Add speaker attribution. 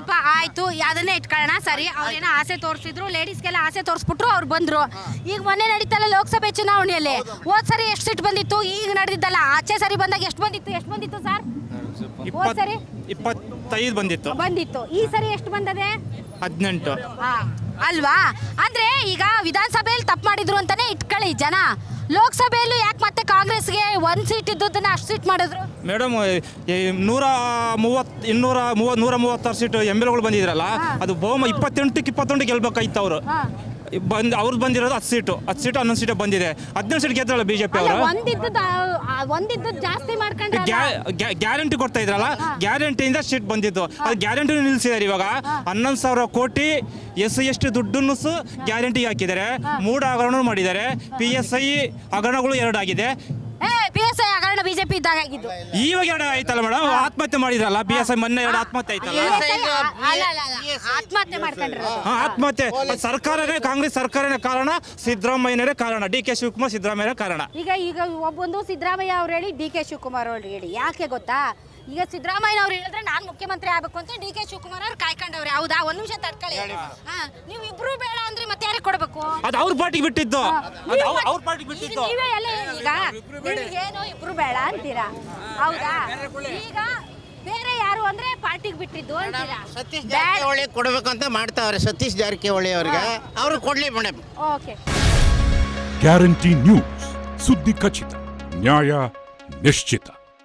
Speaker 1: ಪಾಪ ಆಯ್ತು, ಅದನ್ನೇ ಇಟ್ಕೊಳ್ಳೋಣ. ಸರಿ, ಅವ್ರೇನೋ ಆಸೆ ತೋರಿಸಿದ್ರು, ಲೇಡೀಸ್ಗೆಲ್ಲ ಆಸೆ ತೋರಿಸ್ಬಿಟ್ರು, ಅವ್ರು ಬಂದ್ರು. ಈಗ ಮೊನ್ನೆ ನಡೀತಲ್ಲ ಲೋಕಸಭೆ ಚುನಾವಣೆಯಲ್ಲಿ, ಹೋದ್ ಸರಿ ಎಷ್ಟು ಸೀಟ್ ಬಂದಿತ್ತು, ಈಗ ನಡೆದಿದ್ದಲ್ಲ ಆಚೆ ಸರಿ ಬಂದಾಗ ಎಷ್ಟು ಬಂದಿತ್ತು ಸರ್? ಹೋದ್ ಸರಿ
Speaker 2: 25 ಬಂದಿತ್ತು.
Speaker 1: ಈ ಸರಿ ಎಷ್ಟು ಬಂದದೆ?
Speaker 2: 18
Speaker 1: ಅಲ್ವಾ? ಅಂದ್ರೆ ಈಗ ವಿಧಾನಸಭೆಯಲ್ಲಿ ತಪ್ಪು ಮಾಡಿದ್ರು ಅಂತಾನೆ ಇಟ್ಕೊಳ್ಳಿ ಜನ. ಲೋಕಸಭೆಯಲ್ಲೂ ಯಾಕೆ ಮತ್ತೆ ಕಾಂಗ್ರೆಸ್ಗೆ 1 ಸೀಟ್ ಇದ್ದದನ್ನ ಅಷ್ಟು ಸೀಟ್ ಮಾಡಿದ್ರು?
Speaker 2: ಮೇಡಮ್, 136 ಸೀಟು MLಗಳು ಬಂದಿದ್ರಲ್ಲ, ಅದು ಬಹುಮ 28 ಗೆಲ್ಬೇಕಾಯ್ತು. ಅವರು ಅವ್ರದ್ದು ಬಂದಿರೋದು 10 ಸೀಟು 11 ಸೀಟು ಬಂದಿದೆ. 17 ಸೀಟ್ ಗೆದ್ರಲ್ಲ ಬಿಜೆಪಿ ಅವರು.
Speaker 1: ಒಂದಿದ್ದು ಜಾಸ್ತಿ ಮಾಡ್ಕೊಂಡ್ರೆ
Speaker 2: ಗ್ಯಾರಂಟಿ ಕೊಡ್ತಾ ಇದ್ರಲ್ಲ, ಗ್ಯಾರಂಟಿಯಿಂದ ಸೀಟ್ ಬಂದಿದ್ದು. ಅದು ಗ್ಯಾರಂಟಿ ನಿಲ್ಲಿಸಿದ್ದಾರೆ. ಇವಾಗ 11,000 ಕೋಟಿ SC ದುಡ್ಡನ್ನು ಗ್ಯಾರಂಟಿಗೆ ಹಾಕಿದ್ದಾರೆ. 3 ಹಗರಣ ಮಾಡಿದ್ದಾರೆ. PSI ಹಗರಣಗಳು 2 ಆಗಿದೆ.
Speaker 1: PSI ಹಗರಣ ಬಿಜೆಪಿ ಇದ್ದಾಗ ಆಗಿದ್ದು.
Speaker 2: ಇವಾಗ 2 ಆಯ್ತಲ್ಲ ಮೇಡಮ್. ಆತ್ಮಹತ್ಯೆ ಮಾಡಿದ್ರಲ್ಲ PSI, ಮೊನ್ನೆ 2 ಆತ್ಮಹತ್ಯೆ ಆಯ್ತಲ್ಲ.
Speaker 1: ಆತ್ಮಹತ್ಯೆ ಮಾಡ್ಕೊಂಡ್ರು.
Speaker 2: ಆತ್ಮಹತ್ಯೆ ಸರ್ಕಾರನೇ, ಕಾಂಗ್ರೆಸ್ ಸರ್ಕಾರನೇ ಕಾರಣ, ಸಿದ್ದರಾಮಯ್ಯನೇ ಕಾರಣ, DK ಶಿವಕುಮಾರ್ ಸಿದ್ದರಾಮಯ್ಯ ಕಾರಣ.
Speaker 1: ಈಗ ಒಬ್ಬೊಂದು ಸಿದ್ದರಾಮಯ್ಯ ಅವ್ರು ಹೇಳಿ, DK ಶಿವಕುಮಾರ್ ಅವ್ರು ಹೇಳಿ. ಯಾಕೆ ಗೊತ್ತಾ? ಈಗ ಸಿದ್ದರಾಮಯ್ಯ ಅವ್ರು ಹೇಳಿದ್ರೆ ನಾನು ಮುಖ್ಯಮಂತ್ರಿ ಆಗ್ಬೇಕು ಅಂತ DK ಶಿವಕುಮಾರ್ ಅವ್ರು ಕಾಯ್ಕೊಂಡವ್ರೆ. ಹೌದಾ? 1 ನಿಮಿಷ ತಡ್ಕೊಳ್ಳಿ. ನೀವು ಇಬ್ರು ಬೇಡ ಅಂದ್ರೆ ಮತ್ತೆ ಯಾರಿಗೆ ಕೊಡಬೇಕು?
Speaker 2: ಅದು ಅವ್ರ ಪಾರ್ಟಿಗೆ ಬಿಟ್ಟಿದ್ದು. ಅವ್ರ ಪಾರ್ಟಿಗೆ ಬಿಟ್ಟಿದ್ದು.
Speaker 1: ನೀವೇ ಎಲ್ಲ ಈಗ ಏನು ಇಬ್ರು ಬೇಡ ಅಂತೀರಾ? ಹೌದಾ? ಈಗ ಬೇರೆ ಯಾರು ಅಂದ್ರೆ ಪಾರ್ಟಿಗೆ ಬಿಟ್ಟಿದ್ದು ಅಂತೀರಾ?
Speaker 3: ಸತೀಶ್ ಜಾರಕಿಹೊಳಿ ಕೊಡಬೇಕು ಅಂತ ಮಾಡ್ತಾವ್ರೆ. ಸತೀಶ್ ಜಾರಕಿಹೊಳಿ ಅವ್ರಿಗೆ ಅವರು ಕೊಡ್ಲಿ ಮೇಡಮ್.
Speaker 1: ಓಕೆ.
Speaker 4: ಗ್ಯಾರಂಟಿ ನ್ಯೂಸ್, ಸುದ್ದಿ ಖಚಿತ, ನ್ಯಾಯ ನಿಶ್ಚಿತ.